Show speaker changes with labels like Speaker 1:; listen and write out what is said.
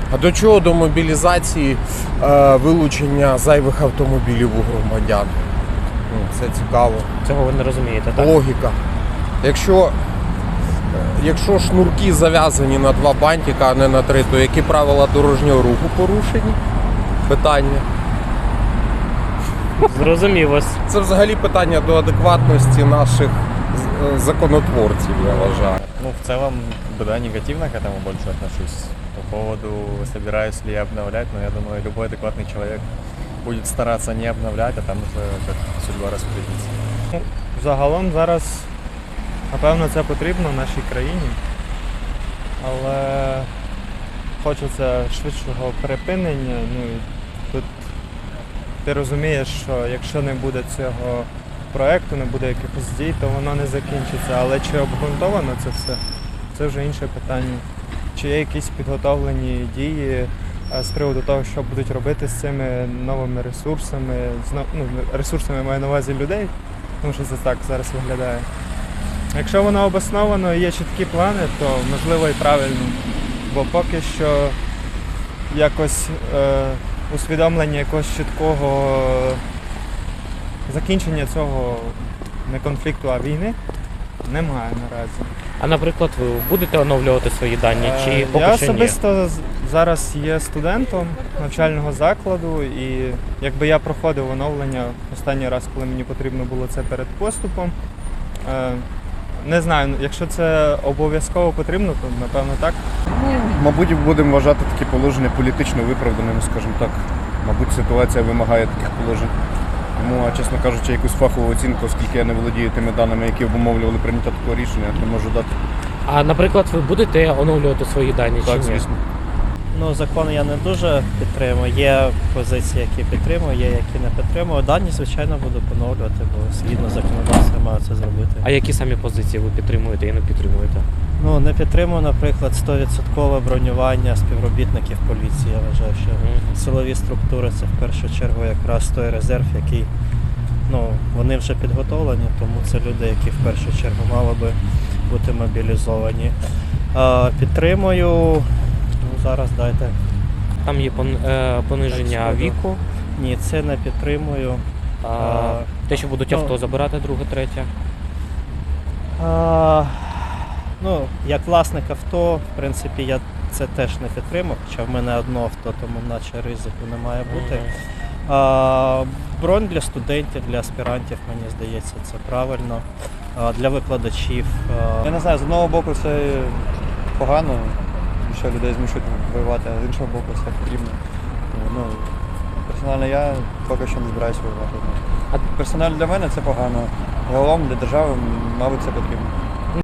Speaker 1: А до чого до мобілізації вилучення зайвих автомобілів у громадян? Це цікаво.
Speaker 2: Цього ви не розумієте, так?
Speaker 1: Логіка. Якщо шнурки зав'язані на 2 бантика, а не на 3, то які правила дорожнього руху порушені? Питання.
Speaker 2: Зрозумів вас.
Speaker 1: Це взагалі питання до адекватності наших законотворців, я вважаю.
Speaker 3: Ну, в целом, да, негативно к этому больше отношусь. По поводу, собираюсь ли я обновлять, но я думаю, любой адекватный человек будет стараться не обновлять, а там уже как судьба распорядится.
Speaker 4: Ну, загалом зараз, напевно, це потрібно нашій країні, але хочеться швидшого припинення. Ну, і тут ти розумієш, що якщо не буде цього проєкту, не буде якихось дій, то воно не закінчиться. Але чи обґрунтовано це все, це вже інше питання. Чи є якісь підготовлені дії з приводу того, що будуть робити з цими новими ресурсами, ресурсами маю на увазі людей, тому що це так зараз виглядає. Якщо воно обосновано і є чіткі плани, то можливо і правильно, бо поки що якось усвідомлення якогось чіткого закінчення цього не конфликту, а війни немає наразі.
Speaker 2: А наприклад, ви будете оновлювати свої дані чи поки
Speaker 4: Я
Speaker 2: що ні?
Speaker 4: особисто зараз є студентом навчального закладу, і якби я проходив оновлення останній раз, коли мені потрібно було це перед поступом. Не знаю, якщо це обов'язково потрібно, то напевно так.
Speaker 5: Мабуть, будемо вважати такі положення політично виправданими, скажімо так. Мабуть, ситуація вимагає таких положень. Тому, чесно кажучи, якусь фахову оцінку, оскільки я не володію тими даними, які обумовлювали прийняття такого рішення, не можу дати.
Speaker 2: А наприклад, ви будете оновлювати свої дані чи
Speaker 5: Так,
Speaker 2: ні?
Speaker 5: звісно.
Speaker 6: Ну, закон я не дуже підтримую. Є позиції, які підтримую, є, які не підтримую. Дані, звичайно, буду поновлювати, бо згідно законодавства маю це зробити.
Speaker 2: А які самі позиції ви підтримуєте і не підтримуєте?
Speaker 6: Ну, не підтримую, наприклад, 100% бронювання співробітників поліції. Я вважаю, що силові структури це в першу чергу якраз той резерв, який, вони вже підготовлені, тому це люди, які в першу чергу мали би бути мобілізовані. Підтримую. Зараз дайте.
Speaker 2: Там є пониження
Speaker 6: Так,
Speaker 2: віку,
Speaker 6: Ні, це не підтримую.
Speaker 2: те, що будуть авто забирати, друге, третє.
Speaker 6: Як власник авто, в принципі, я це теж не підтримав, хоча в мене одно авто, тому наче ризику не має бути. Бронь для студентів, для аспірантів, мені здається, це правильно. Для викладачів.
Speaker 3: Я не знаю, з одного боку це погано, що людей змушують воювати, а з іншого боку це потрібно. Персонально я поки що не збираюся воювати. Персонально для мене це погано, загалом для держави, мабуть, це потрібно.